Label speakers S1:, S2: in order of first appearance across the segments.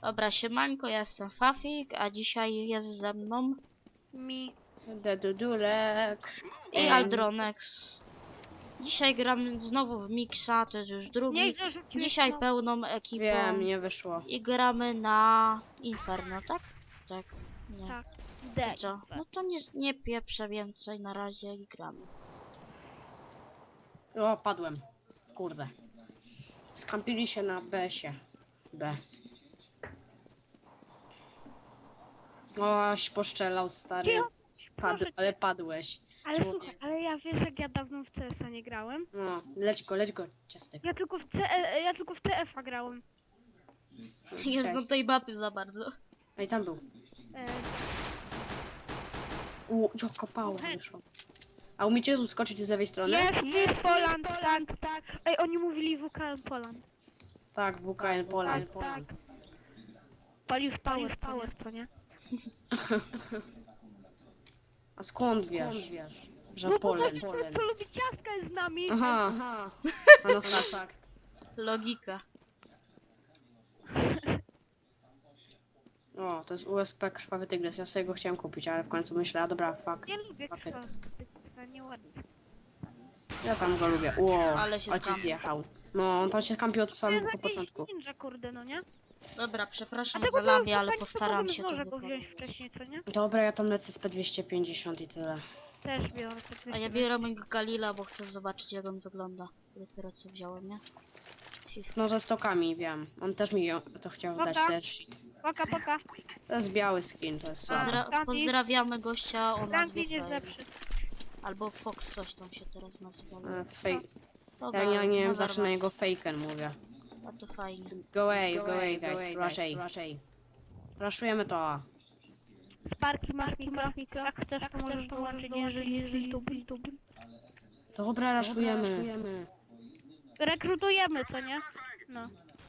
S1: Dobra, siemanko, ja jestem Fafik, a dzisiaj jest ze mną
S2: Dedudulek.
S1: i Aldronex. Dzisiaj gramy znowu w Mixa, to jest już drugi. Dzisiaj pełną ekipą
S2: Wiem, nie wyszło.
S1: i gramy na Inferno, tak? Tak. Nie.
S3: Tak.
S1: To co? No to nie pieprzę więcej na razie i gramy.
S2: O, padłem. Kurde. Skampili się na B-sie. B. Oś, poszczelał, stary.
S3: Proszę cię.
S2: Ale padłeś.
S3: Ale
S2: Człowiek.
S3: słuchaj, ale ja wiesz, jak ja dawno w CS-a nie grałem.
S2: No, leć go, ciastek.
S3: Ja tylko w TF-a grałem.
S1: Nie znam tej mapy za bardzo.
S2: A i tam był.
S3: E,
S2: Jaka pała wyszła. A umiecie tu skoczyć z lewej strony?
S3: jest Poland, tak. Ej, oni mówili WKM Poland.
S2: Tak, WKN Poland.
S3: Tak. Palisz power, to nie?
S2: A skąd wiesz? Że
S3: No bo
S2: Poland.
S3: gościu, co lubi ciastka jest z nami.
S2: Aha. A no tak.
S1: Logika.
S2: O, to jest USP Krwawy Tygrys. Ja sobie go chciałem kupić, ale w końcu myślę, a dobra, fuck.
S3: Nie lubię
S2: Fuck it.
S3: krwawy, nieładnie.
S2: Ja tam go lubię. Ło,
S1: Ale się
S2: ojciec
S1: skampił.
S2: zjechał. No, on tam się skampił od
S3: To jest
S2: samego
S3: jakiś
S2: początku.
S3: ninja, kurde, no nie?
S1: Dobra, przepraszam
S3: Dlatego
S1: za lamię,
S3: to
S1: ale
S3: fajnie,
S1: postaram
S3: to
S1: się to
S3: może go
S1: wykonać.
S3: wziąć wcześniej, co nie?
S2: Dobra, ja tam lecę z P250 i tyle.
S3: Też biorę.
S1: A ja biorę mojego Galila, bo chcę zobaczyć, jak on wygląda. Dopiero co wziąłem, nie?
S2: No, ze stokami, wiem. On też mi to chciał dać,
S3: Dobra.
S2: ten shit.
S3: Poka.
S2: To jest biały skin, to jest słabe.
S3: Tam
S1: Pozdrawiamy gościa o nazwie
S3: Franklin jest
S1: Fire.
S3: lepszy.
S1: Albo Fox coś tam się teraz nazywa.
S2: Fake.
S1: Dobra,
S2: Ja nie wiem,
S1: never
S2: zawsze na
S1: mind.
S2: niego faken mówię.
S1: A to fajnie.
S2: Go away, guys. Rush A. Rushujemy to.
S3: Sparki masz mikro. Jak chcesz, to możesz dołączyć, jeżeli lubisz.
S2: Dobra, rushujemy.
S3: Rekrutujemy, co nie? No.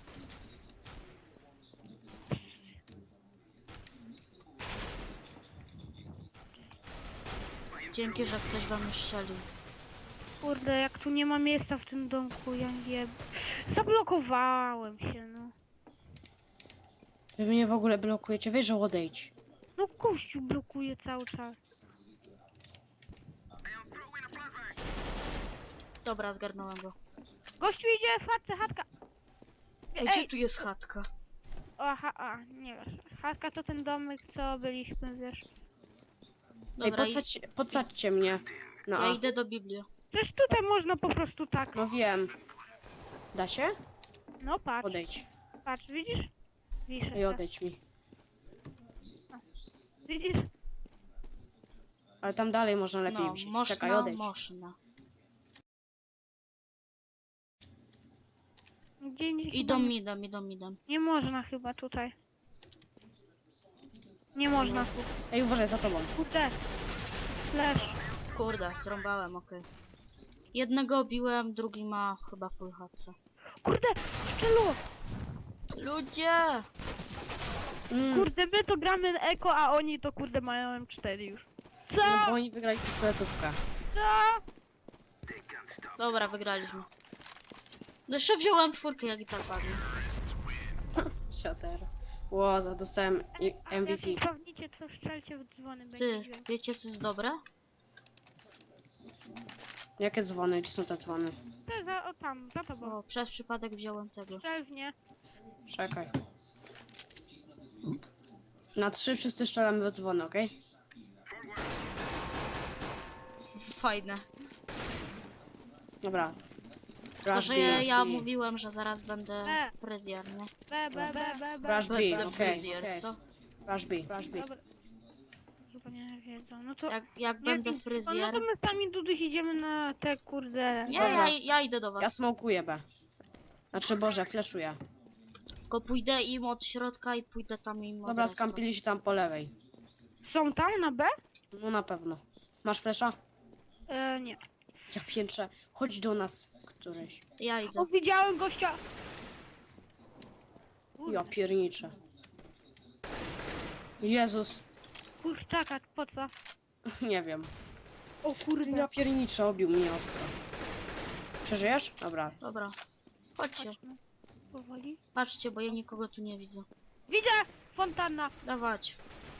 S1: Dzięki, że ktoś wam już strzelił.
S3: Kurde, jak tu nie ma miejsca w tym domku, ja nie... Zablokowałem się, no.
S2: Wy mnie w ogóle blokujecie, wiesz, że odejdź.
S3: No gościu blokuje cały czas.
S1: Dobra, zgarnąłem go.
S3: Gościu idzie w chatce, chatka.
S1: Ej, gdzie tu jest chatka?
S3: Aha, nie wiesz. Chatka to ten domek, co byliśmy, wiesz.
S2: Ej,
S1: Dobra,
S2: podsadźcie mnie. No,
S1: ja
S2: a.
S1: idę do Biblii.
S3: Przecież tutaj można po prostu tak.
S2: No wiem. Da się?
S3: No patrz,
S2: Odejdź.
S3: Widzisz? Wiszę
S2: Ej,
S3: se.
S2: odejdź mi.
S3: Widzisz?
S2: Ale tam dalej można lepiej
S1: No,
S2: wziąć.
S1: można,
S2: Czekaj, odejdź.
S1: można.
S3: Gdzie
S1: Idą midem.
S3: Nie można chyba tutaj. Nie można tu.
S2: Ej, uważaj, za tobą.
S3: Kurde. Flash.
S1: Kurde, zrąbałem, okej. Jednego obiłem, drugi ma chyba full hapsa.
S3: Kurde, szczelu!
S1: Ludzie!
S3: Kurde, my to gramy na Eko, a oni to kurde mają M4 już. Co?
S2: No, bo oni wygrali pistoletówkę.
S3: Co?
S1: Dobra, wygraliśmy. No jeszcze wziąłem czwórkę, jak i tak padnie.
S2: Sioter. Ło, dostałem MVP.
S3: Jak spawnicie, to strzelcie w dzwony.
S1: Ty,
S3: będzie dźwięk.
S1: wiecie co jest dobre?
S2: Jakie dzwony? Gdzie są te dzwony?
S3: To tam, za tobą.
S1: O, przez przypadek wziąłem tego.
S3: Strzel w nie.
S2: Czekaj. Na 3 wszyscy strzelamy we dzwony, okej?
S1: Fajne.
S2: Dobra.
S1: Tylko,
S2: Rush
S1: że
S2: B,
S1: ja
S2: rush B.
S1: mówiłem, że zaraz będę fryzjer, nie?
S3: B.
S2: Rush B,
S1: Będę
S2: okej.
S1: fryzjer, co?
S2: Rush B.
S3: Dobra. Chyba nie wiedzą. No to...
S1: Jak będę
S3: No
S1: fryzjer...
S3: to my sami Duduś idziemy na te kurde...
S1: Nie,
S2: Dobra.
S1: ja idę do
S2: Ja
S1: was.
S2: smokuję B. Znaczy, Boże, flashuję.
S1: Tylko pójdę im od środka i pójdę tam im od
S2: Dobra,
S1: respa.
S2: skampili się tam po lewej.
S3: Są tam na B?
S2: No na pewno. Masz flasha?
S3: Nie.
S2: Ja piętrzę. Chodź do nas któryś.
S1: Ja idę.
S3: O, widziałem gościa.
S2: Ja pierniczę. Jezus.
S3: Kurczaka, po co?
S2: Nie wiem.
S3: O kurde.
S2: Ja pierniczę, obił mnie ostro. Przeżyjesz? Dobra.
S1: Dobra. Chodźcie.
S3: Chodźmy. Powoli.
S1: Patrzcie, bo ja nikogo tu nie widzę.
S3: Widzę! Fontanna!
S1: Dawać.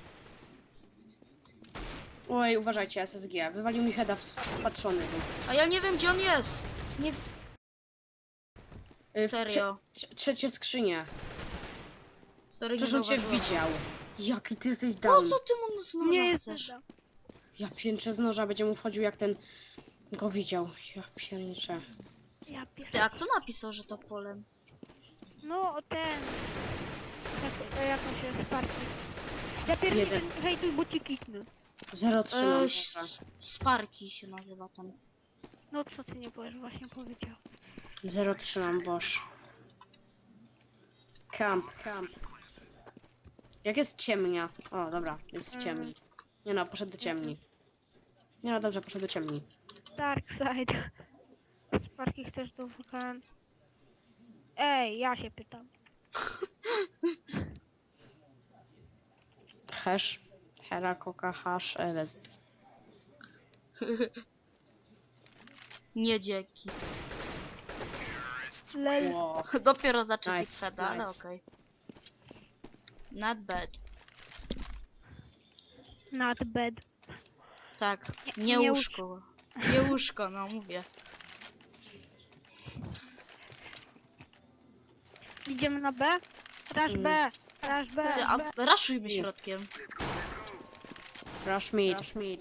S2: Oj, uważajcie, SSG. Wywalił mi heada wpatrzony.
S1: A ja nie wiem, gdzie on jest. Nie...
S2: W
S1: Serio.
S2: trzecie skrzynie.
S1: Serio, nie
S2: Przecież on cię
S1: zauważyłem.
S2: widział. Jaki ty jesteś
S1: Po
S2: down.
S1: co ty mu z noża
S3: Nie jest
S1: chcesz?
S3: nuda.
S2: Ja pięczę z noża, będzie mu wchodził jak ten go widział. Ja pięczę.
S3: Ja pier...
S1: Ty, a kto napisał, że to Poland?
S3: No, ten... Jak on się Sparki. Ja pierwszy
S2: Jeden.
S3: hejtuj, bo ci kiknę.
S2: 0,3 mam noża.
S1: Sparki się nazywa tam.
S3: No co ty nie powiesz, właśnie powiedział.
S2: 0,3 mam boż. Camp. Jak jest ciemnia? O, dobra, jest w ciemni. Nie no, poszedł do ciemni. Nie no, dobrze, poszedł do ciemni.
S3: Dark side. Sparki chcesz do wulkan? Ej, ja się pytam.
S2: Hash. Hera, coca, hash, LSD.
S1: Nie dzięki.
S3: Lel.
S2: Wow.
S1: Dopiero zacząć
S2: Nice,
S1: nice, ale
S2: nice.
S1: okej. Not bad.
S3: Not bad.
S1: Tak,
S3: Nie
S1: nie
S3: łóż-
S1: łóżko. Nie łóżko, no mówię.
S3: Idziemy na B? Rush B. Rush B.
S1: Ty, a raszujmy środkiem.
S2: Rush mid.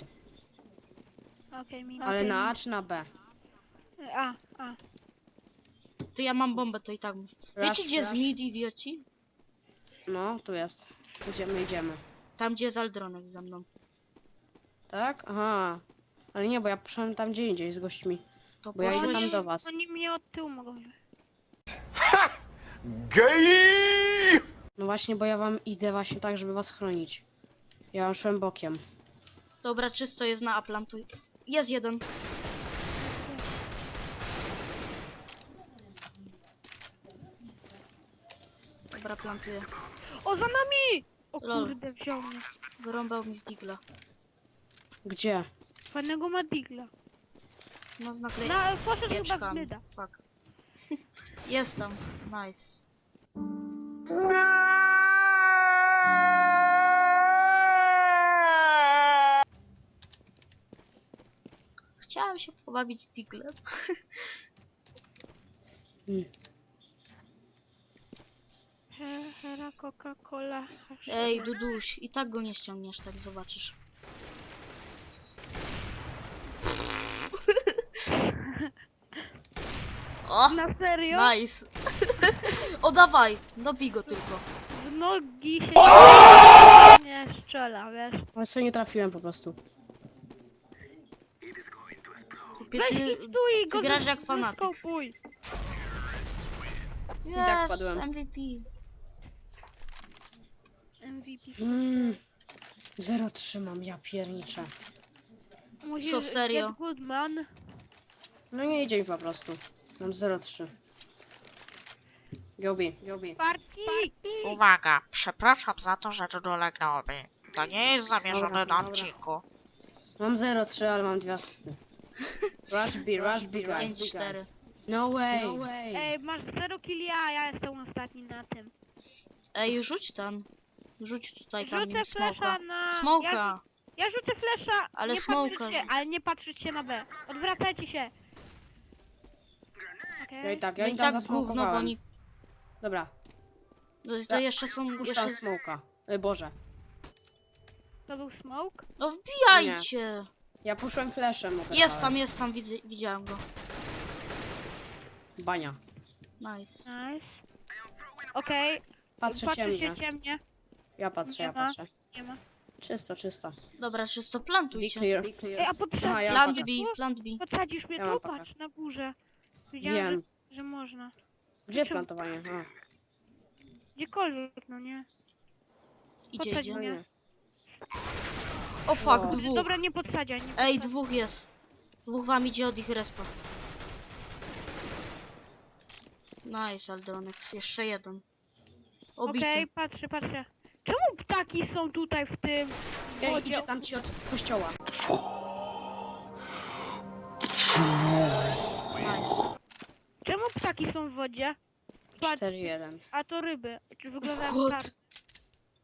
S3: Okej, mi.
S2: Ale na A czy na B?
S3: A.
S1: Ty, ja mam bombę, to i tak mów. Wiecie,
S2: Rush,
S1: gdzie jest
S2: rush.
S1: mid, idioci?
S2: No, tu jest. Idziemy.
S1: Tam, gdzie jest Aldronek ze mną.
S2: Tak? Aha. Ale nie, bo ja poszedłem tam gdzie indziej z gośćmi.
S1: To
S2: Bo ja idę
S1: poszłeś-
S2: tam do was.
S3: Oni mnie od tyłu mogą wziąć.
S4: Gay!
S2: No właśnie, bo ja wam idę właśnie tak, żeby was chronić. Ja wam szłem bokiem.
S1: Dobra, czysto jest na Aplantu. Jest jeden. Dobra, plantuję.
S3: O, za nami! O
S1: Lol.
S3: kurde, wziął mnie.
S1: Wyrąbał mi z digla.
S2: Gdzie?
S3: Fajnego ma digla.
S1: No z naklej...
S3: Poszedł chyba z
S1: Pieczkami.
S3: myda.
S1: Fuck. Jest tam. Nice. Chciałam się pobawić diglem.
S3: Hera, Coca-Cola.
S1: Ej, Duduś, i tak go nie ściągniesz, tak zobaczysz. O,
S3: Na serio?
S1: nice. O, dawaj, dobij go tylko.
S3: W nogi się nie strzela, wiesz.
S2: Ale sobie nie trafiłem po prostu.
S1: Kupię,
S3: Weź
S1: ty,
S3: idź tu i go
S1: grasz jak fanatyk.
S3: zeskopuj.
S2: tak
S1: Yes,
S2: padłem.
S1: MVP.
S3: MVP.
S2: 0,3 mam, ja pierniczę.
S3: Musisz
S1: Co, serio?
S3: get good man.
S2: No nie idzie mi po prostu. Mam 0,3. Gobi.
S3: Parki!
S5: Uwaga, przepraszam za to, że tu dolegnąłem. To nie jest zamierzone
S2: Dobra,
S5: na
S2: dobra.
S5: odcinku.
S2: Mam 0,3, ale mam 2 asysty. Rush B, guys.
S1: 5-4.
S2: No way.
S3: Ej, masz 0 killi, a ja jestem ostatni na tym.
S1: Ej, rzuć tam. Rzuć tutaj tam
S3: Rzucę
S1: smoka.
S3: flesza na...
S1: Smoka.
S3: Ja rzucę flesza,
S1: Ale
S3: nie
S1: smoka
S3: patrzeć się,
S1: rzuć.
S3: ale nie patrzeć się na B. Odwracajcie się. Okej.
S2: Ja i tak,
S1: No
S2: ja
S1: i
S2: i tam
S1: tak gówno, bo
S2: zasmokowałem.
S1: oni...
S2: Dobra,
S1: No to
S2: Ja
S1: jeszcze są... Jeszcze...
S2: puszczam smoka. Boże.
S3: To był smoke?
S1: No wbijajcie.
S2: Ja puszczłem flashem.
S1: Jest tam, widziałem go.
S2: Bania.
S1: Nice.
S3: Nice. Okej,
S2: Patrzę
S3: patrzy
S2: ciemnie.
S3: się ciemnie.
S2: Ja patrzę,
S3: Nie
S2: ja
S3: ma.
S2: patrzę.
S3: Nie ma.
S2: Czysto.
S1: Dobra, czysto,
S2: Be
S1: plantujcie.
S2: clear.
S3: Ej, a podsadzisz
S2: Aha, ja
S3: mnie
S1: Plant
S2: patrzę.
S1: B,
S3: tu?
S1: plant B.
S3: Podsadzisz mnie
S2: Ja mam
S3: tu?
S2: pakę.
S3: Patrz, na górze. Widziałem,
S2: Wiem.
S3: że można.
S2: Gdzie jest plantowanie? A,
S3: Gdziekolwiek, no nie.
S1: Idzie,
S3: Podsadź
S1: idzie.
S3: mnie.
S2: nie.
S1: O fuck,
S2: O.
S1: dwóch.
S3: Dobra, nie podsadzaj. Nie
S1: Ej,
S3: podsadzaj.
S1: dwóch jest. Dwóch wam idzie od ich respa. Nice, Aldronek. Jeszcze jeden. Obity.
S3: Okej, patrzę. Czemu ptaki są tutaj w tym
S2: Ej,
S3: wodzie?
S2: idzie tam ci od kościoła.
S1: Nice.
S3: Czemu ptaki są w wodzie? Patrz,
S2: 4-1.
S3: a to ryby. Czy wyglądają
S1: What?
S3: tak?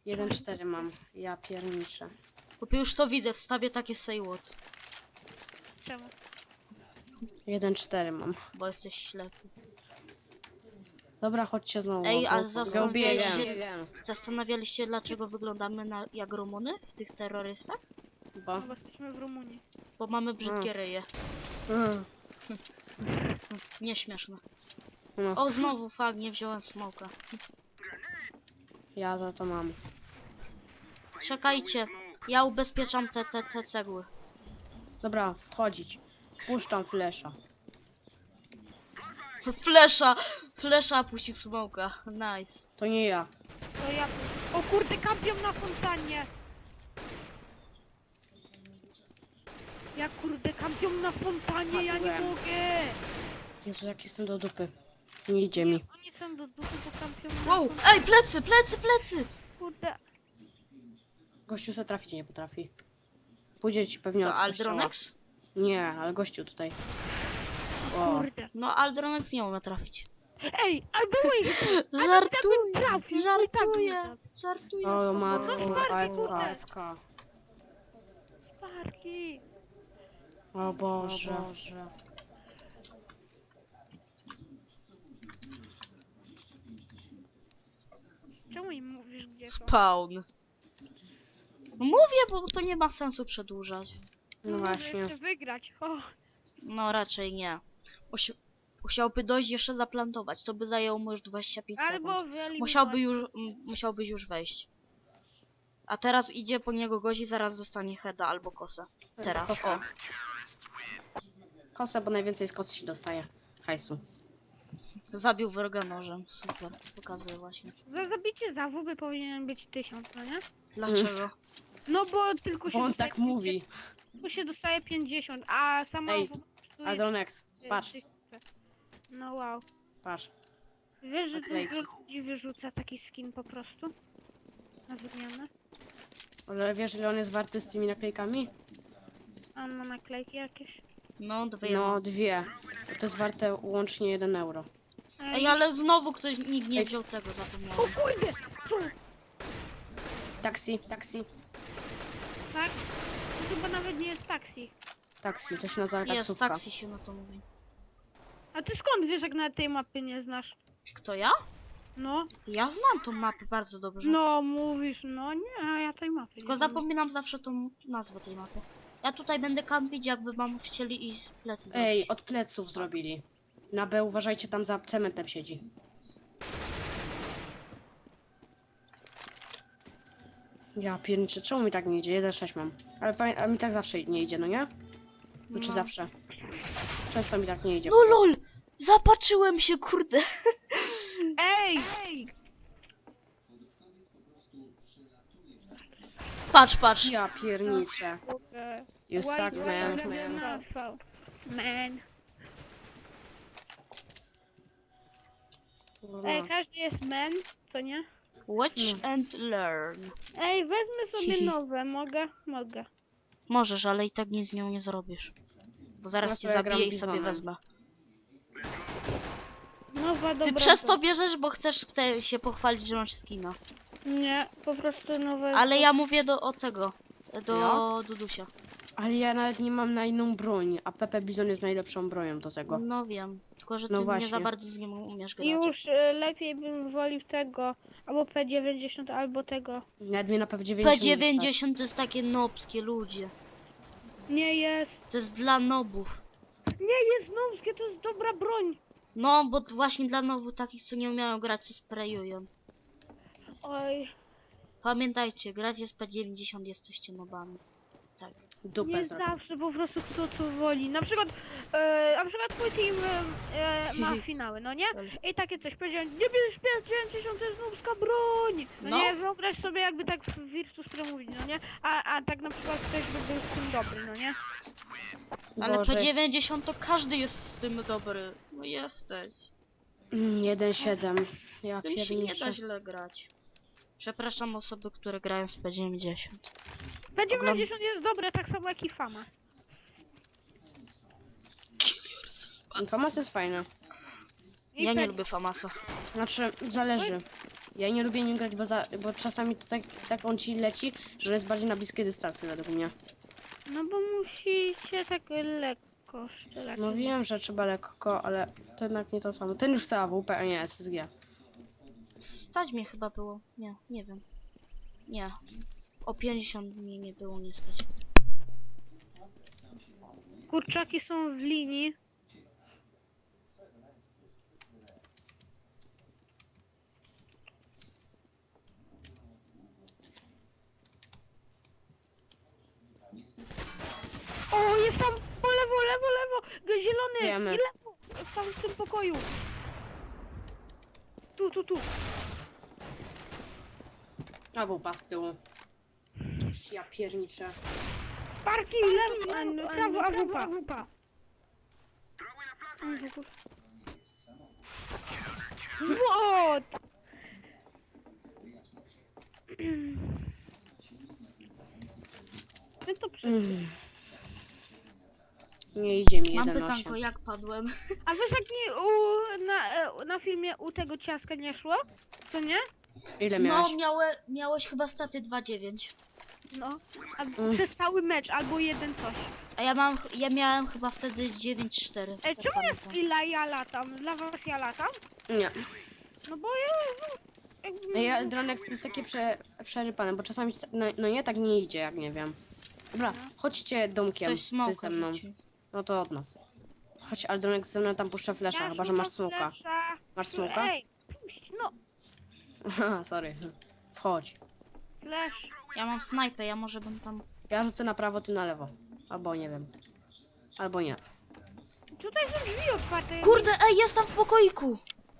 S2: 1-4 mam. Ja pierniczę.
S1: Chłopie, już to widzę, wstawię takie say what,
S3: Czemu?
S2: 1-4 mam.
S1: bo jesteś ślepy.
S2: Dobra, chodźcie znowu.
S1: Ej, a
S2: bo-
S1: zastanawiałeś
S2: Wiem,
S1: się-
S2: wiem.
S1: Zastanawialiście, dlaczego wyglądamy jak Rumuny w tych terrorystach?
S2: Bo...
S3: No bo jesteśmy w Rumunii.
S1: Bo mamy brzydkie ryje.
S2: Mm,
S1: Nieśmieszne.
S2: No,
S1: O, znowu fakt, nie wziąłem smoka.
S2: ja za to mam.
S1: Czekajcie, ja ubezpieczam te cegły.
S2: Dobra, wchodzić. Puszczam flesza.
S1: Flesza puścił smoka. Nice.
S2: To nie ja.
S3: To ja... O kurde, kampią na fontannie! Ja kurde, kampią na fontanie, ja nie
S2: Padłem.
S3: mogę!
S2: Jezu, jak jestem do dupy. Nie idzie mi.
S3: Oni są do dupy, bo kampią na
S1: Wow,
S3: fontannie.
S1: ej, plecy!
S3: Kurde.
S2: Gościu se trafić nie potrafi. Pójdzie ci pewnie
S1: Co,
S2: od kościoła.
S1: Aldronex?
S2: Nie, ale gościu tutaj. O,
S3: Kurde.
S1: No, Aldronex nie umie trafić.
S3: Ej, albo byłeś!
S1: Żartuję,
S3: trafił, no i tak
S1: żartuję, żartuję.
S2: o
S1: spokojnie.
S2: matko,
S3: No, Sparki,
S2: AFK,
S3: kurde.
S2: AFK.
S3: Sparki!
S2: O Boże.
S3: Czemu im mówisz gdzie są?
S1: Spawn. Mówię, bo to nie ma sensu przedłużać.
S2: No
S3: Może
S2: właśnie.
S3: jeszcze wygrać. O,
S1: No, raczej nie. Musiałby dojść jeszcze zaplantować, to by zajęło mu już 25
S3: albo
S1: sekund.
S3: wyeliminować.
S1: Musiałbyś już wejść. A teraz idzie po niego gość i zaraz dostanie heada albo kosę. Teraz,
S2: Kosa.
S1: o.
S2: Kosa, bo najwięcej z kosy się dostaje. Hajsu.
S1: Zabił wroga nożem. Super, pokazuję właśnie.
S3: Za zabicie zawóby powinien być 1000, no nie?
S1: Dlaczego?
S3: No bo tylko się
S2: Bo on
S3: dostaje
S2: tak mówi.
S3: 50, Tylko się dostaje 50, a sama
S2: Ej,
S3: AWP kosztuje
S2: Adronex,
S3: 3000.
S2: patrz,
S3: No wow.
S2: patrz.
S3: Wiesz, że
S2: Naklejki.
S3: dużo ludzi wyrzuca taki skin po prostu? Na wymianę?
S2: Ale wiesz, ile on jest warty z tymi naklejkami?
S3: A on ma naklejki jakieś?
S1: No, dwie.
S2: No, 2. To jest warte łącznie 1 euro.
S1: Ej, ale znowu nikt nie
S2: Ej.
S1: wziął tego,
S3: O
S1: zapomniałem.
S3: kurde! Co?
S2: Taksi,
S3: Tak? To chyba nawet nie jest taksi.
S2: taksi, to się nazywa
S1: Jest,
S2: taksówka.
S1: taksi się na to mówi.
S3: A ty skąd wiesz, jak na tej mapy nie znasz?
S1: Kto ja?
S3: No,
S1: Ja znam tą mapę bardzo dobrze.
S3: no mówisz, no nie, a ja tej mapy
S1: Tylko
S3: nie znam.
S1: zapominam zawsze tą nazwę tej mapy. Ja tutaj będę kampić, jakby wam chcieli iść z plecy zrobić.
S2: Ej, od pleców zrobili. Na B uważajcie, tam za cementem siedzi. Ja pierniczę, czemu mi tak nie idzie? 1-6 mam. Ale a mi tak zawsze nie idzie, no nie? Znaczy
S1: No.
S2: zawsze. Często mi tak nie idzie.
S1: No lol! Zapatrzyłem się, kurde.
S3: Ej!
S1: Patrz.
S2: Ja pierniczę.
S3: Kurde.
S2: You suck, man.
S3: Man.
S2: No.
S3: Ej, każdy jest man, co nie?
S1: Watch and learn.
S3: Ej, wezmę sobie
S1: Hihi.
S3: nowe, mogę? Mogę.
S1: Możesz, ale i tak nic z nią nie zrobisz. Bo zaraz
S2: Ja
S1: cię
S2: sobie gram
S1: zabiję i sobie
S2: bizonem.
S1: wezmę.
S3: Nowa,
S1: Ty
S3: dobra.
S1: przez to bierzesz, bo chcesz się pochwalić, że masz skina.
S3: Nie, po prostu nowe.
S1: Ale ja mówię o tego. Do
S2: Ja?
S1: Dudusia.
S2: Ale ja nawet nie mam na inną broń, a Pepe Bizon jest najlepszą bronią do tego.
S1: No wiem. Tylko, że ty
S2: No
S1: nie za
S2: właśnie.
S1: bardzo z nim umiesz grać.
S3: Już lepiej bym wolił tego, albo P90, albo tego.
S2: Nawet mnie na P90 nie stać.
S1: P90 to jest takie nobskie ludzie.
S3: Nie jest.
S1: To jest dla nobów.
S3: Nie jest nowskie, to jest dobra broń.
S1: No, bo właśnie dla nowów takich, co nie umieją grać, co sprayują.
S3: Oj,
S1: Pamiętajcie, grać jest P90, jesteście nobami. Tak.
S2: Dupę
S3: nie
S2: zrobię.
S3: zawsze, po prostu kto co woli. Na przykład twój team ma finały, no nie? I takie coś powiedziałem, nie bierz P90, to jest nubska broń. No,
S1: No.
S3: nie, wyobraź sobie jakby tak w Virtus Pro mówić, no nie? A tak na przykład ktoś by był z tym dobry, no nie?
S1: Ale
S2: Boże.
S1: P90 to każdy jest z tym dobry. No jesteś.
S2: 1-7. Ja
S1: Z tym się nie
S2: pierniczę.
S1: da źle grać. Przepraszam osoby, które grają z P90.
S3: P90 jest dobre, tak samo jak i Famas.
S2: Famas jest fajny.
S3: I
S1: Ja nie
S3: P-
S1: lubię Famasa.
S2: Znaczy, zależy. Ja nie lubię nim grać, bo czasami to tak on ci leci, że jest bardziej na bliskiej dystancji według mnie.
S3: No bo musicie tak lekko strzelać.
S2: No wiem, że trzeba lekko, ale to jednak nie to samo. Ten już chce AWP, a nie SSG.
S1: Stać mnie chyba było. Nie, nie wiem. Nie. O 50 mnie nie było nie stać.
S3: Kurczaki są w linii. O, jest tam po lewo, lewo, lewo! Zielony!
S2: Wiemy.
S3: I lewo! Jest tam w tym pokoju. Tu.
S2: AWP z tyłu. Ja pierniczę.
S3: Parki, lewo, prawo, AWP. What? No to
S2: Nie idzie mi
S1: Mam
S2: 1-8.
S1: pytanko, jak padłem?
S3: A wiesz jak mi na filmie u tego ciaska nie szło? Co nie?
S2: Ile miałeś?
S1: No, miałeś chyba staty 2,9.
S3: No. A przez cały mecz albo jeden coś.
S1: A ja miałem chyba wtedy 9,4.
S3: Ej,
S1: tak
S3: czemu jest
S1: pamiętam.
S3: ile ja latam? Dla was ja latam?
S2: Nie.
S3: No bo ja...
S2: Ja Dronex to jest takie przerypane, bo czasami no nie tak nie idzie, jak nie wiem. Dobra, chodźcie domkiem.
S1: Ktoś
S2: Ty
S1: smoka
S2: ze mną.
S1: rzucił.
S2: No to od nas. Chodź, ale Dronex ze mną tam puszcza flesza, chyba że masz smoka. Masz smoka?
S3: Ej, puść, no.
S2: Aha, sorry. Wchodź.
S3: Flash.
S1: Ja mam snajpę, ja może bym tam...
S2: Ja rzucę na prawo, ty na lewo. Albo nie wiem. Albo nie.
S3: Tutaj są drzwi otwarte.
S1: Kurde, ej, jest tam w pokoiku!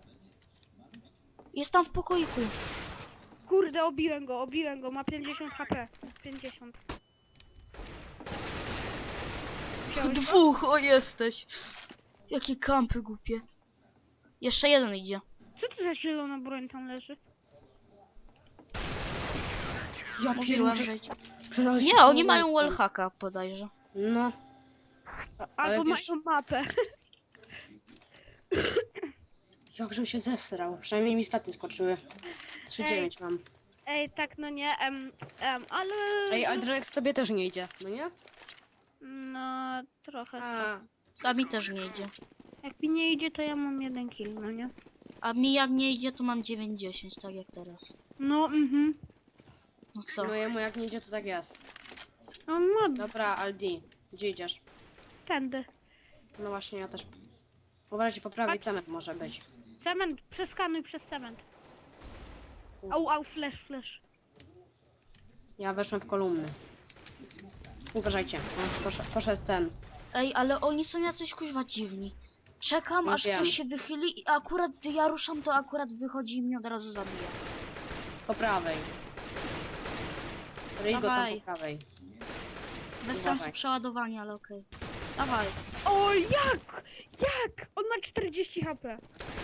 S1: Jest tam w pokoiku.
S3: Kurde, obiłem go, ma 50 HP. 50. Wziąłeś go?
S1: Dwóch, o jesteś. Jakie kampy głupie. Jeszcze jeden idzie.
S3: Co to za zielona broń tam leży?
S2: Ja
S1: Mówiłem,
S2: pierniczę.
S1: że... Nie, oni mają wallhacka bodajże.
S2: No. Ale
S3: Albo
S2: wiesz,
S3: mają mapę.
S2: jakżem się zesrał. Przynajmniej mi staty skoczyły. 3,9 mam.
S3: Ej, tak no nie, ale...
S2: Ej, ale Dronex tobie też nie idzie, no nie?
S3: No, trochę.
S1: A mi też nie idzie.
S3: Jak mi nie idzie, to ja mam 1 kill, no nie?
S1: A mi jak nie idzie, to mam 9,10, tak jak teraz.
S3: No,
S1: No co?
S2: No jemu jak nie idzie, to tak jest.
S3: No, ma
S2: Dobra, Aldi, gdzie idziesz?
S3: tędy.
S2: No właśnie, ja też. Uważajcie, po prawej cement może być.
S3: Cement, przeskanuj przez cement. Au, flash.
S2: Ja weszłem w kolumny. Uważajcie, poszedł ten.
S1: Ej, ale oni są jacyś kuźwa dziwni. Czekam,
S2: No
S1: aż
S2: wiem.
S1: ktoś się wychyli i akurat gdy ja ruszam, to akurat wychodzi i mnie od razu zabija.
S2: Po prawej. Rygo tam
S1: Dawaj.
S2: po prawej.
S1: Bez
S2: Dawaj.
S1: sensu przeładowania, ale okej. Dawaj.
S3: O, jak? On ma 40 HP.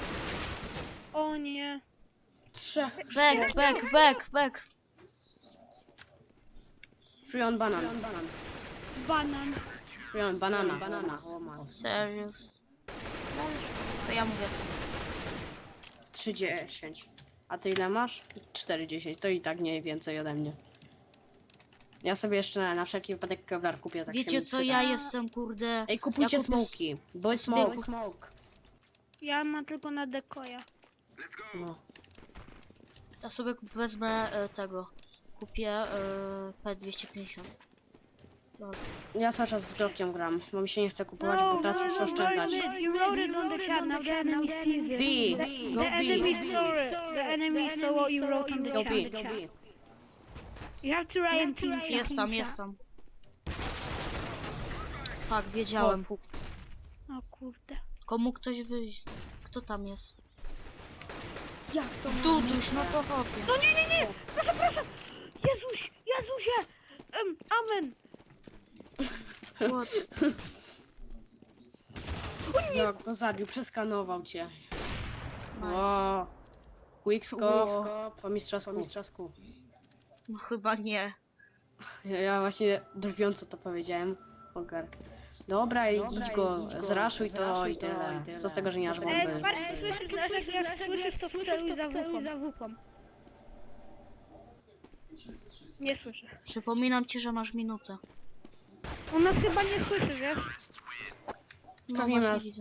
S3: O nie.
S2: 3.
S1: Back.
S2: Free on banan.
S3: Banan.
S2: Free on banana.
S1: Serious. Co ja mówię?
S2: 3,10. A ty ile masz? 4,10. To i tak nie więcej ode mnie. Ja sobie jeszcze na wszelki wypadek Kevlar kupię. Tak się
S1: Wiecie
S2: mi
S1: co,
S2: przyda.
S1: ja jestem kurde...
S2: Ej, kupujcie
S1: ja kupię
S2: smoki. Bo jest smoke.
S3: Ja mam tylko na dekoja.
S2: No.
S1: Ja sobie wezmę tego. Kupię P250.
S2: Ja cały czas z Glockiem gram, bo mi się nie chce kupować, bo teraz muszę oszczędzać.
S3: You wrote it on the chat, now the enemy sees it.
S2: B. Go
S3: The enemy
S2: B.
S3: saw it. The enemy saw what you wrote on the
S2: Go
S3: chat.
S2: B.
S3: You have to write in team chat.
S1: Jest tam. Fuck, wiedziałem.
S3: O kurde.
S1: Komu ktoś wyjść? Kto tam jest?
S2: Jak to?
S1: Duduś, no to hopie.
S3: No nie. Proszę. Jezusie. Amen.
S1: What?
S2: Jak go zabił, przeskanował cię.
S1: Nice.
S2: O. Quickscope po mistrzowsku.
S1: No chyba nie.
S2: Ja właśnie drwiąco to powiedziałem. Ogar. Dobra, idź go, zraszuj to i tyle. Co z tego, że nie masz bomby?
S3: Spark, słyszysz, jak słyszysz, to wceluj za wupą. Nie słyszę.
S1: Przypominam ci, że masz minutę.
S3: On nas chyba nie słyszy, wiesz?
S1: No
S2: Pewnie
S1: właśnie
S2: nas-
S1: widzę.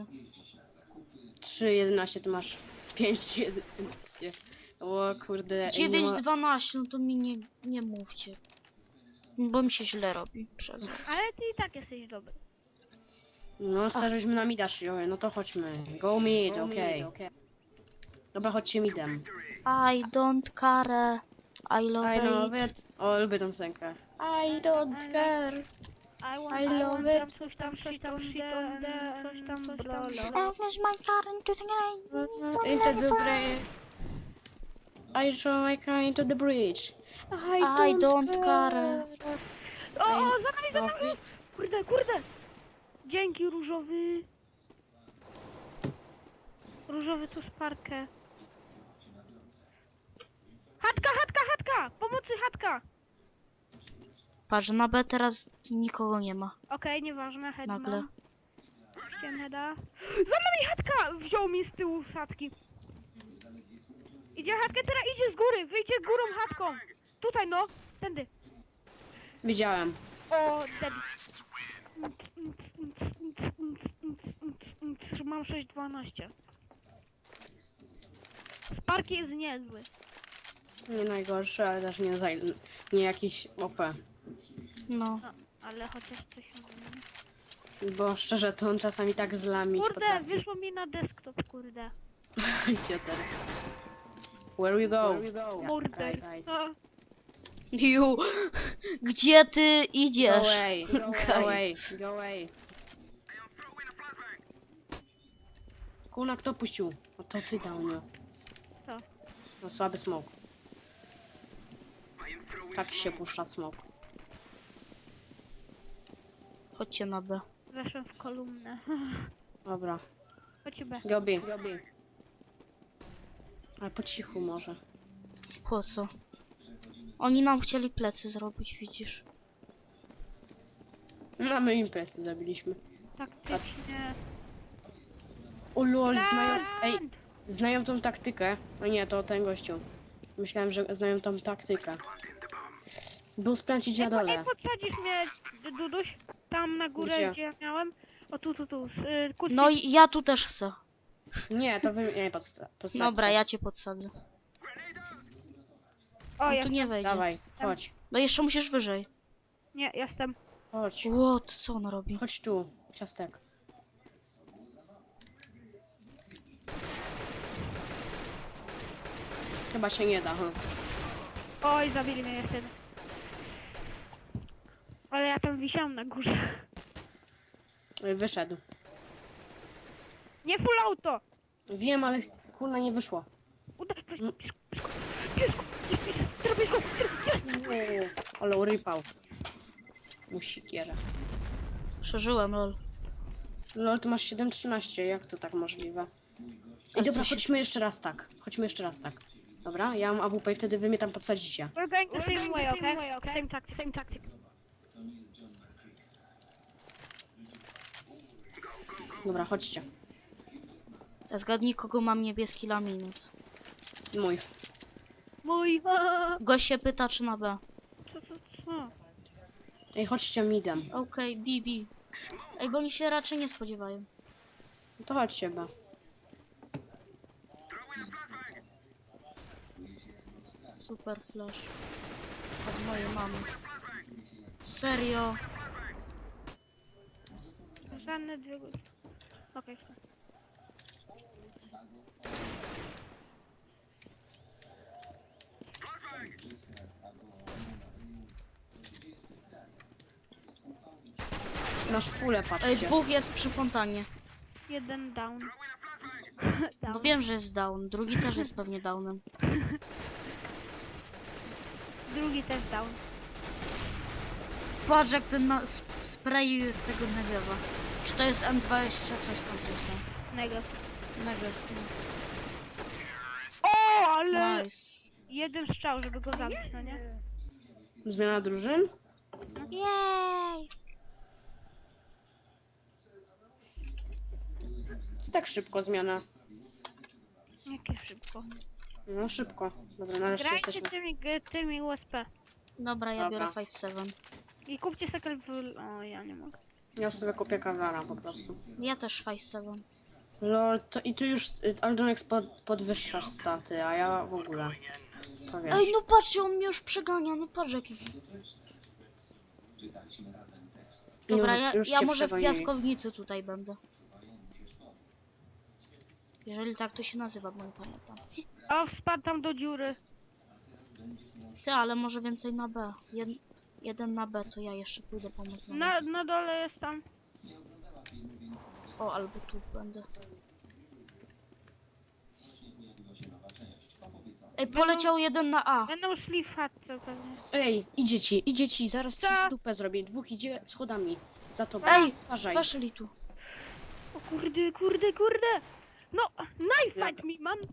S2: 3,11, ty masz 5,11. O kurde. ej, nie ma-
S1: 9-12, no to mi nie mówcie. Bo mi się źle robi przez was.
S3: Ale ty i tak jesteś dobry.
S2: No, co żeśmy na mida szli, no to chodźmy. Go mid, okej. Dobra, chodźcie midem.
S1: I don't care. I love
S2: I love
S1: it.
S2: it. O, lubię tą piosenkę. I don't care. I love it.
S3: Coś tam, coś tam, coś tam, blolo.
S1: Finish my car into the rain.
S2: Into the bridge. I throw my car into the bridge.
S1: I don't care.
S3: O, za nami, za nami!
S2: Love it.
S3: Kurde, kurde! Dzięki, różowy. Różowy tu sparkę. Chatka, chatka, chatka! Pomocy, chatka!
S1: Patrz, na B teraz nikogo nie ma.
S3: Okej, nieważne, head
S1: Nagle.
S3: mam. Puściłem heada. Za nami chatka! Wziął mi z tyłu z chatki. Idzie chatkę, teraz idzie z góry! Wyjdzie górą chatką! Tutaj no! Tędy!
S2: Widziałem.
S3: O, debil. Mam 6,12. Spark jest niezły.
S2: Nie najgorszy, ale też nie jakiś OP.
S1: No.
S3: No, ale chociaż coś umiem.
S2: Bo szczerze, to on czasami tak zlamić
S3: Kurde, wyszło mi na desktop, kurde.
S2: Cioter. Where you go?
S3: Morder.
S2: Right.
S3: No,
S1: Ju, gdzie ty
S2: Go
S1: idziesz?
S2: away, go away, go away. Kuna, kto puścił? O, to ty dał, nie?
S3: Co?
S2: No, słaby smoke. Tak się puszcza smoke.
S1: Chodźcie na B.
S3: weszłem w kolumnę.
S2: Dobra.
S3: Chodź B.
S2: Go B. Ale po cichu może.
S1: Po co? Oni nam chcieli plecy zrobić, widzisz?
S2: No, my imprezy zabiliśmy.
S3: Taktycznie.
S2: O lol, znają... Ej, znają tą taktykę. No nie, to ten gościu. Myślałem, że znają tą taktykę. Był splęcić na
S3: Ej,
S2: dole.
S3: podsadzisz mnie, Duduś? Tam na górę,
S2: Gdzie?
S3: gdzie ja miałem? O, tu. Kucy.
S1: No i ja tu też chcę.
S2: Nie, to wy... Nie, podsadźcie.
S1: Dobra, ja cię podsadzę.
S3: O,
S1: On tu
S3: jestem.
S1: nie wejdzie.
S2: Dawaj, chodź.
S1: No jeszcze musisz wyżej.
S3: Nie, jestem.
S2: Chodź.
S1: What? Co on robi?
S2: Chodź tu, ciastek. Chyba się nie da,
S3: Oj, zabili mnie jeszcze. Ale ja tam wisiałam na górze.
S2: Wyszedł.
S3: Nie full auto!
S2: Wiem, ale kurna nie wyszło.
S3: Weź, bierz go, bierz go, jest!
S2: Ale urypał. Musikierę.
S1: Przeżyłem, lol.
S2: No, ty masz 7,13, jak to tak możliwe?
S1: Ale
S2: Ej, dobra,
S1: co się-
S2: chodźmy jeszcze raz tak. Chodźmy jeszcze raz tak. Dobra, ja mam AWP i wtedy wy mnie tam podsadzicie.
S3: We're going the same way, okay? Same tactic.
S2: Dobra, chodźcie.
S1: Zgadnij, kogo mam niebieski laminat.
S2: Mój.
S3: Mój,
S1: Gość się pyta, czy na B.
S3: co?
S2: Ej, chodźcie midem.
S1: Okej, BB. Ej, bo oni się raczej nie spodziewają.
S2: No to chodźcie, B.
S1: Super flash. Od mojej mamy. Serio?
S3: Żadne dwie góry. Okej.
S2: Na szpulę
S1: Ej,
S2: patrzcie.
S1: dwóch jest przy fontannie.
S3: Jeden down.
S1: No wiem, że jest down. Drugi też jest pewnie downem.
S3: Drugi też down.
S1: Patrz, jak ten spray z tego negiewa. Czy to jest M20, coś tam.
S3: Mega.
S1: Negew.
S3: O, ale
S1: Nice.
S3: jeden strzał, żeby go zabić, no nie?
S2: Zmiana drużyn?
S1: Jej!
S2: To tak szybko zmiana.
S3: Jakie szybko.
S2: No szybko. Dobra, nareszcie
S3: Grajcie
S2: jesteśmy.
S3: tymi USP.
S1: Dobra, ja
S2: Dobra.
S1: biorę 5-7.
S3: I kupcie sekel w... O, ja nie mogę.
S2: Ja sobie kupię kawara po prostu.
S1: Ja też 5-7.
S2: Lol, to i ty już Aldonex podwyższasz staty, a ja w ogóle. To wiesz.
S1: Ej, no patrzcie, on mnie już przegania, no patrz jaki... Dobra,
S2: Już
S1: ja
S2: cię
S1: może w
S2: przegonili.
S1: piaskownicy tutaj będę. Jeżeli tak to się nazywa, bo nie pamiętam.
S3: O, wspadł tam do dziury.
S1: Ty, ale może więcej na B. Jeden na B, to ja jeszcze pójdę pomóc na B.
S3: Na dole jest tam.
S1: O, albo tu będę. Ej, poleciał jeden na A.
S3: Będą szli w chatce pewnie.
S2: Ej, idzie ci, zaraz
S3: Co?
S2: ci dupę zrobię. Dwóch idzie schodami. Za tobą.
S1: Ej,
S2: Uważaj.
S1: weszli tu.
S3: O kurde, kurde, kurde. No, knife fight mi, mam.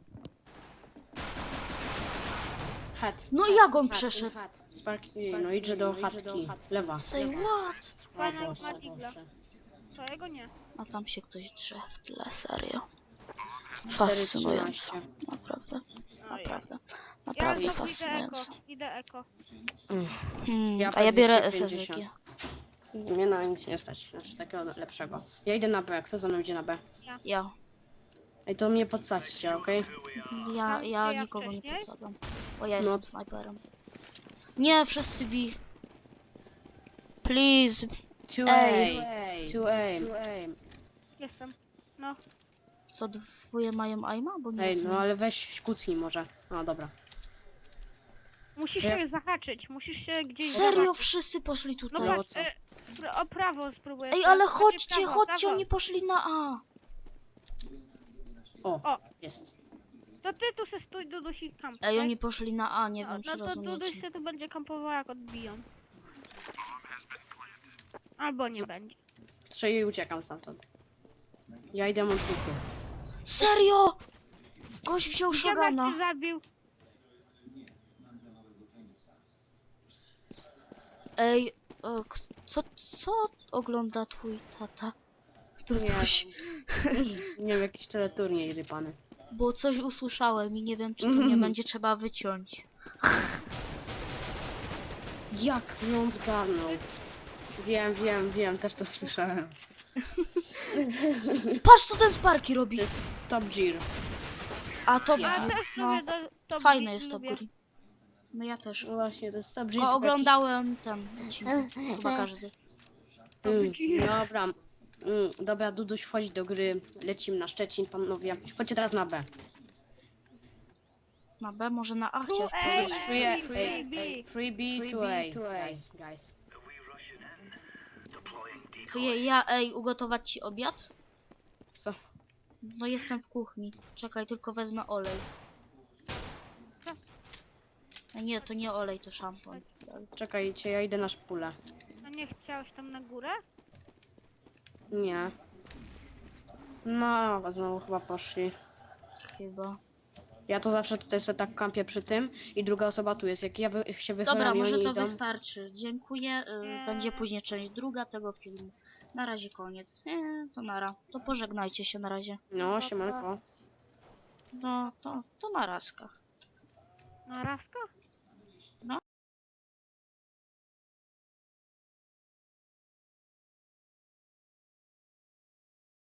S2: Hat.
S1: No
S2: hat,
S1: jak on
S2: hat,
S1: przeszedł?
S2: hat. Sparki, no idzie do chatki. Lewa.
S1: Say what?
S2: O
S3: Fajna
S2: Boże,
S3: ma digla.
S2: Boże.
S3: Twojego nie.
S1: A tam się ktoś drze w tle, serio.
S2: 4:13.
S1: Fascynujące. Naprawdę,
S3: Ojej.
S1: naprawdę.
S3: Ja
S1: Naprawdę
S3: znowu
S1: fascynujące.
S3: idę eko.
S1: A ja biorę
S2: 250.
S1: SSG.
S2: Mnie na nic nie stać, znaczy takiego lepszego. Ja idę na B, kto za mną idzie na B?
S1: Ja.
S2: Ej, to mnie podsadźcie, okej?
S1: Ja
S3: ja
S1: nikogo nie
S3: wcześniej?
S1: podsadzam. Bo ja
S2: No.
S1: jestem snajperem. Nie, wszyscy B. Please.
S2: 2A. 2A.
S3: Jestem. No.
S1: Co, dwoje mają aima? Bo nie
S2: Ej,
S1: rozumiem.
S2: no ale weź kucnij może. No dobra.
S3: Musisz
S2: Ja-
S3: się zahaczyć. Musisz się gdzieś
S1: Serio,
S3: zahaczyć.
S1: wszyscy poszli
S3: No
S1: tutaj.
S2: to
S3: patrz,
S2: co?
S3: o prawo spróbuję.
S1: Ej, ale
S3: Znaczy
S1: chodźcie,
S3: prawo,
S1: chodźcie,
S3: prawo.
S1: oni poszli na A.
S2: O,
S3: O.
S2: jest.
S3: To ty tu se stój, Duduś i kamp.
S1: Ej,
S3: tak?
S1: oni poszli na A, nie wiem
S3: No
S1: czy
S3: to Duduś
S1: rozumiecie.
S3: się tu będzie kampował jak odbiją. Albo nie będzie.
S2: Trzej uciekam stamtąd. Ja idę multiku.
S1: Serio! Gość wziął
S3: Gdzie
S1: shotguna.
S3: cię zabił?
S1: Ej, co ogląda twój tata? Duduś.
S2: Nie wiem, jakiś teleturniej rypany.
S1: Bo coś usłyszałem i nie wiem czy to nie będzie trzeba wyciąć.
S2: Jak ją zgarnął? Wiem, też to słyszałem.
S1: Patrz co ten Sparky robi.
S2: To jest Top Gear.
S1: A to
S3: Ja też
S1: no,
S3: lubię to
S1: fajne jest to
S3: lubię.
S1: Guri. No ja też.
S2: No właśnie, to jest Top Gear.
S1: O,
S2: tylko
S1: oglądałem ten odcinek. Chyba każdy.
S2: Dobra. Dobra, Duduś, wchodź do gry. Lecimy na Szczecin, panowie. Chodźcie teraz na B.
S1: Na B, może na A
S3: Tu,
S1: chciałeś
S3: ej,
S1: powiedzieć.
S3: ej,
S2: 3B, 2A. Guys.
S1: To ej, ugotować ci obiad?
S2: Co?
S1: No jestem w kuchni. Czekaj, tylko wezmę olej. A nie, to nie olej, to szampon.
S2: Czekajcie, ja idę na szpulę.
S3: A nie chciałeś tam na górę?
S2: Nie. No, znowu chyba poszli.
S1: Chyba.
S2: Ja to zawsze tutaj sobie tak kampię przy tym i druga osoba tu jest. Jak ja się wychylam
S1: Dobra,
S2: i
S1: może
S2: oni
S1: to
S2: idą...
S1: wystarczy. Dziękuję. Będzie później część druga tego filmu. Na razie koniec. To nara. To pożegnajcie się na razie.
S2: No, siemanko.
S1: No, to na razkach.
S3: Na razkach?